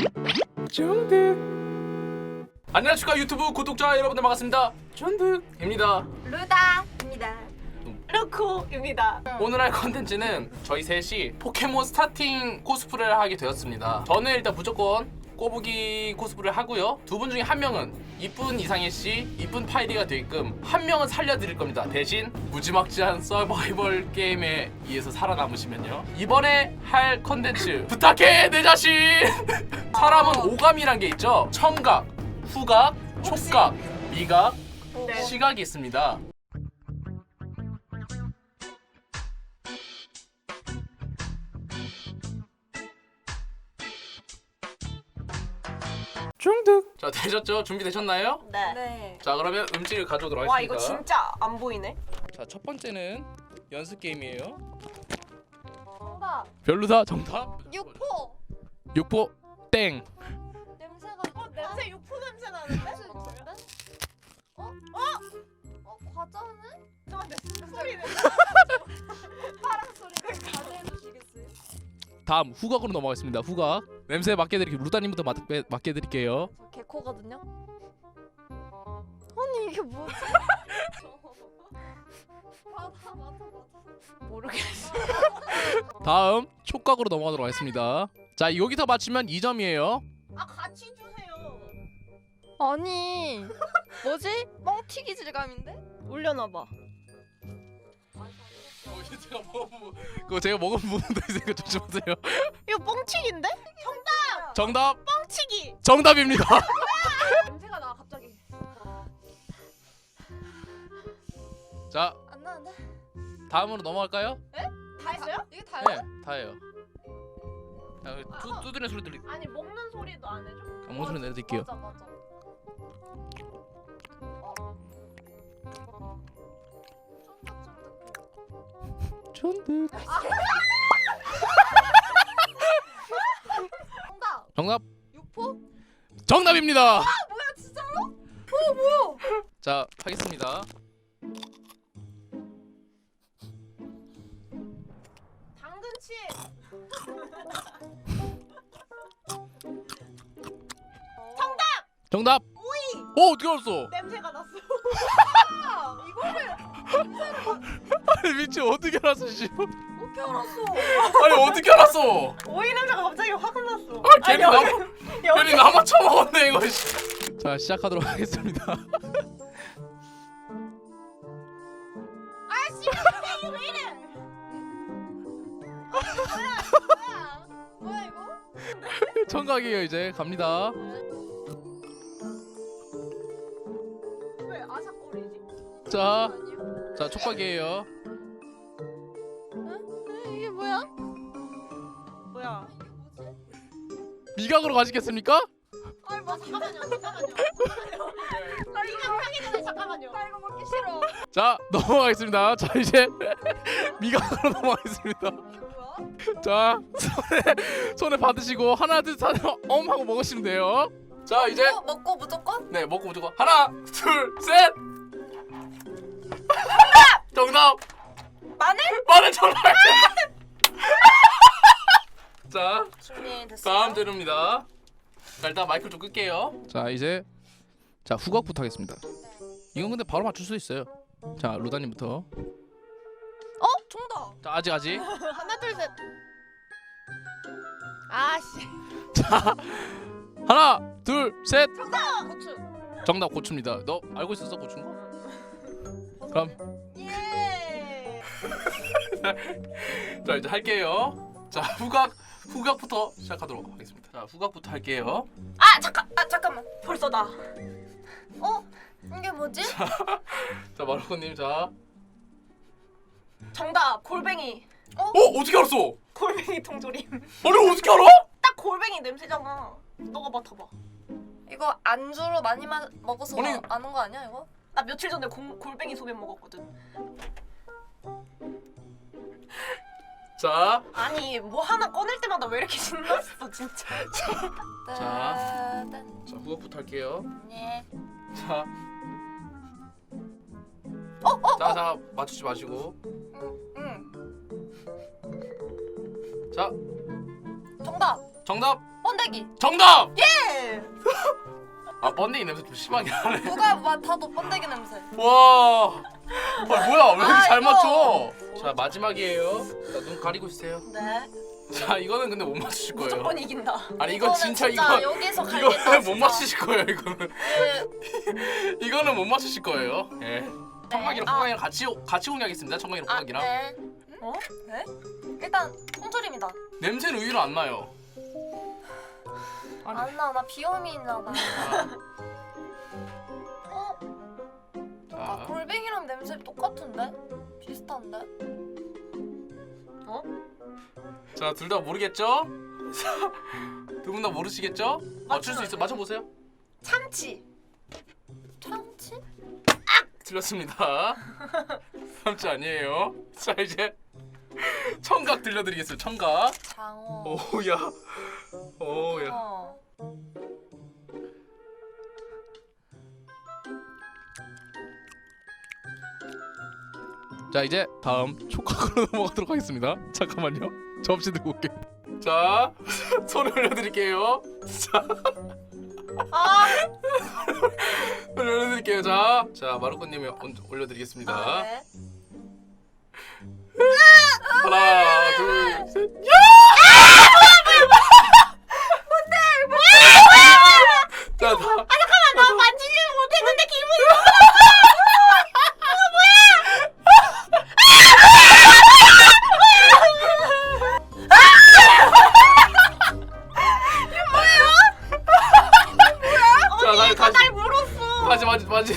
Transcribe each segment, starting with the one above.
중득. 안녕하십니까 유튜브 구독자 여러분들 반갑습니다. 중득입니다. 루다입니다. 루코입니다. 오늘 할 컨텐츠는 저희 셋이 포켓몬 스타팅 코스프레를 하게 되었습니다. 저는 일단 무조건 꼬부기 코스프레를 하고요. 두 분 중에 한 명은 이쁜 이상해 씨, 이쁜 파이리가 되게끔 한 명은 살려드릴 겁니다. 대신 무지막지한 서바이벌 게임에 의해서 살아남으시면요. 이번에 할 컨텐츠 부탁해 내 자신. 사람은 오감이란 게 있죠. 청각, 후각, 촉각, 미각, 네. 시각이 있습니다. 중득. 자, 되셨죠? 준비되셨나요? 네. 자, 그러면 음식을 가져오도록 와 하겠습니다. 이거 진짜 안 보이네. 자, 첫 번째는 연습 게임이에요. 정답. 별로다. 정답. 육포. 육포 땡. 냄새가. 냄새 육포 냄새 나는데? 과자는? 잠깐만 소리는. 파랑 소리가 과자해 주시겠어요? 다음 후각으로 넘어가겠습니다. 후각. 냄새 맡게 드릴게요. 루다님부터 맡게 드릴게요. 저 개코거든요. 아니 이게 뭐지? 맞아. 모르겠어. 다음 촉각으로 넘어가도록 하겠습니다. 자, 여기서 맞추면 2점이에요. 아 같이 주세요. 아니 뭐지? 뻥튀기 질감인데? 올려놔봐. 그거 제가 먹은 부분도 있으니까 조심하세요. 이거 뻥튀기인데? 정답. 뻥튀기. 정답입니다. 냄새가 나 갑자기. 자, 안 나는데? 다음으로 넘어갈까요? 다 했어요? 이게 다야? 네, 다예요. 자, 두드리는 소리 들리. 아니 먹는 소리도 안 해줘? 먹는 소리 내드릴게요. 맞아. 쫀득. 정답. 정답. 육포? 정답입니다. 뭐야 진짜로? 뭐야? 자, 하겠습니다. 당근치. 정답. 오이. 어떻게 알았어? 냄새가 났어. 이거를 아니 미친 어떻게 알았어 씨. 어떻게 알았어? 아니 어떻게 알았어? 오이 냄새가 갑자기 확 났어. 아 괜히 아니, 나 괜히 나만 처먹었네 이거. 자, 시작하도록 하겠습니다. 아씨 이게 왜 이래? 뭐야 이거? 청각이에요. 이제 갑니다. 왜 아삭거리지? 자, 아니요? 자 촉각이에요. 이게 뭐야? 뭐야? 이게 뭐지? 미각으로 가시겠습니까? 아니 뭐 잠깐만요. 나 이거 하기 전에 잠깐만요. 나 이거 먹기 싫어. 자, 넘어가겠습니다. 자, 이제 미각으로 넘어가겠습니다. 이게 뭐야? 자, 손에 받으시고 하나 둘 셋 하고 먹으시면 돼요. 자, 이제 먹고 무조건? 네, 먹고 무조건 하나 둘 셋. 정답. 마늘 정답. 자, 준비됐어요? 다음 재료입니다. 자, 일단 마이크 좀 끌게요. 자, 이제 자 후각부터 하겠습니다. 이건 근데 바로 맞출 수 있어요. 자, 루다님부터. 정답. 자, 아직. 하나 둘 셋. 아씨. 자, 하나 둘 셋. 정답. 고추. 정답 고추입니다. 너 알고 있었어 고추인 거? 그럼 예. 자, 이제 할게요. 자, 후각부터 시작하도록 하겠습니다. 자, 후각부터 할게요. 잠깐만. 벌써 나. 이게 뭐지? 자, 마르코님. 자, 정답. 골뱅이. 어떻게 알았어? 골뱅이 통조림. 아니 어떻게 알아? 딱 골뱅이 냄새잖아. 너가 맡아봐. 이거 안주로 많이 먹어서 아니. 아는 거 아니야 이거? 나 며칠 전에 골뱅이 소면 먹었거든. 자, 아니 뭐 하나 꺼낼 때마다 왜 이렇게 신났어 진짜. 자, 후각부터 할게요. 네. 자, 자, 맞추지 마시고. 응. 자, 정답. 정답. 번데기. 정답! 예. 아 번데기 냄새 좀 심하게 하네. 누가 맡아도 번데기 냄새. 와. 뭐야 왜 이렇게 잘 이거. 맞춰? 자 마지막이에요. 자, 눈 가리고 있으세요. 네. 자 이거는 근데 못 맞추실 거예요. 무조건 이긴다. 아니 이건 이거는 진짜 이거 여기서 갈겠다. 이거는 못 진짜. 맞추실 거예요 이거는. 그, 이거는 못 맞추실 거예요. 예. 청각이랑 아. 호각이랑 같이 공개하겠습니다. 청각이랑 호각이랑. 네. 어? 네? 일단 통조림이다. 냄새는 의외로 안 나요. 아니. 안 나. 나 비염이 있나 봐. 어? 아, 자, 골뱅이랑 냄새 똑같은데? 비슷한데? 어? 자 둘 다 모르겠죠? 두 분 다 모르시겠죠? 맞출 수 있어. 맞추면 맞춰보세요. 참치. 참치? 틀렸습니다. 참치 아니에요. 자 이제 청각 들려드리겠습니다. 청각. 장어. 오야. 오야. 어. 자 이제 다음 촉각으로 넘어가도록 하겠습니다. 잠깐만요. 접시 들고 올게. 자 손을 올려드릴게요. 자 아. 손을 올려드릴게요. 자 마루코님이 올려드리겠습니다. 아, 네. 하나 둘 셋. 자 다. 나 만지지는 못했는데 기분이. 자 다시 날 물었어. 다시.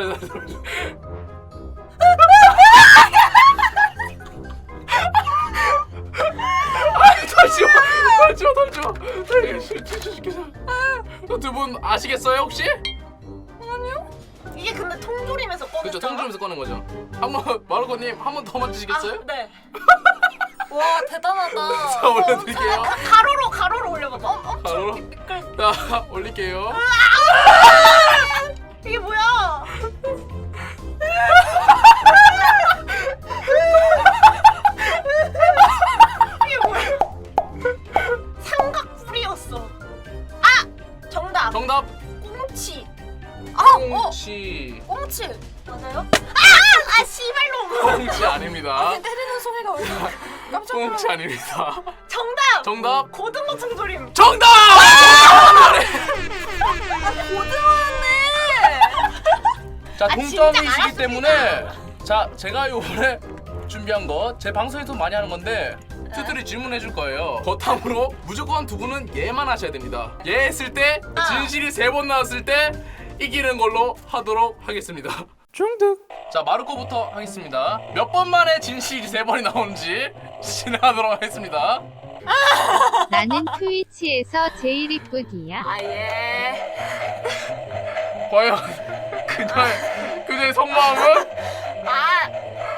두 분 아시겠어요 혹시? 이게 근데 통조림에서 꺼냈잖아. 그렇죠. 통조림에서 꺼낸 거죠. 한번 마루코님 한 번 더 맞추시겠어요? 아, 네. 와 대단하다. 자 올려드릴게요. 가로로 올려봐봐. 바로 미끌. 자 올릴게요. 이게 뭐야? 이게 뭐야? 삼각뿔이었어. 아! 정답. 정답 꽁치. 꽁치. 꽁치. 맞아요? 아 씨발놈. 꽁치 아닙니다. 때리는 소리가 왜 이렇게 깜짝 놀랐어. 꽁치 아닙니다. 정답. 정답 고등어 통조림. 정답. 고등어였네. 자 진짜 동점이시기 알았습니다. 때문에 자 제가 요번에 준비한 거 제 방송에서 많이 하는 건데 투들이 질문해 줄 거예요. 거탐으로 무조건 두 분은 예만 하셔야 됩니다. 예 했을 때 진실이 3번 나왔을 때 이기는 걸로 하도록 하겠습니다. 중득. 자 마르코부터 하겠습니다. 몇 번 만에 진실이 3번이 나오는지 진행하도록 하겠습니다. 나는 트위치에서 제일 이쁘기야. 아 예. 과연 그녀의 속마음은? 아.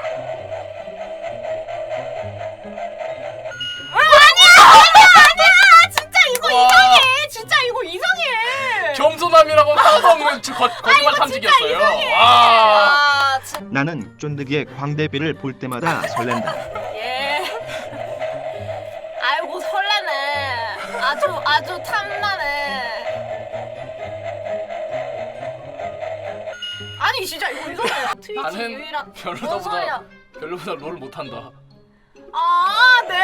진짜 이거 와. 이상해. 진짜 이거 이상해. 겸손함이라고 떠먹는 거짓말 탐지기였어요. 와. 아 진짜. 나는 쫀득이의 광대비를 볼 때마다 설렌다. 예. 아이고 설레네. 아주 탐나네. 아니 진짜 이거 이상해. 트위치 나는 유일한. 뭔 소리야? 별로보다 롤 못한다. 아 네.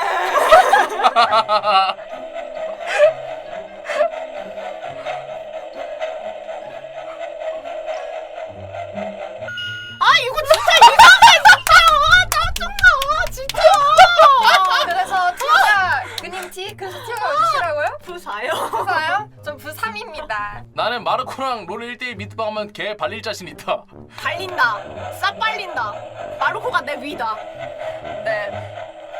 아 이거 진짜 이상해 진짜. 짜증나 진짜. 그래서 티어가 그님 티? 그래서 티어가 몇이라고요? 부사요. 부사요? 전 부3입니다. 나는 마르코랑 롤 1대1 미트방 하면 걔 발릴 자신 있다. 발린다. 싹 발린다. 마루코가 내 위다. 네.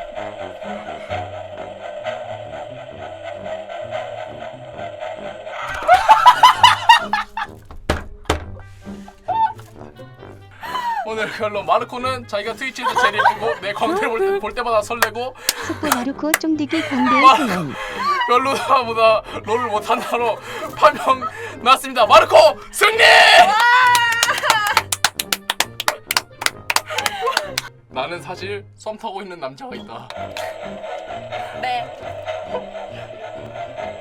오늘 결론 마르코는 자기가 트위치에서 제일 예쁘고 내 광대를 볼 때마다 설레고 속보 마르코 쫑디기 광대의 소년. 별로다보다 롤을 못한다로 파명 났습니다. 마르코 승리! 나는 사실 썸 타고 있는 남자가 있다. 네.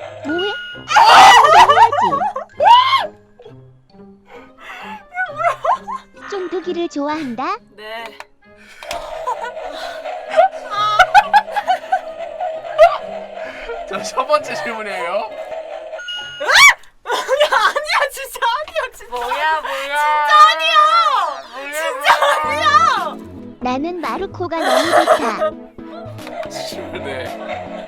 좋아한다. 네. 자, 첫 번째 질문이에요. 아니야 진짜 아니야 진짜. 뭐야? 아니야. 진짜 아니야. 나는 마루코가 너무 좋다. 네.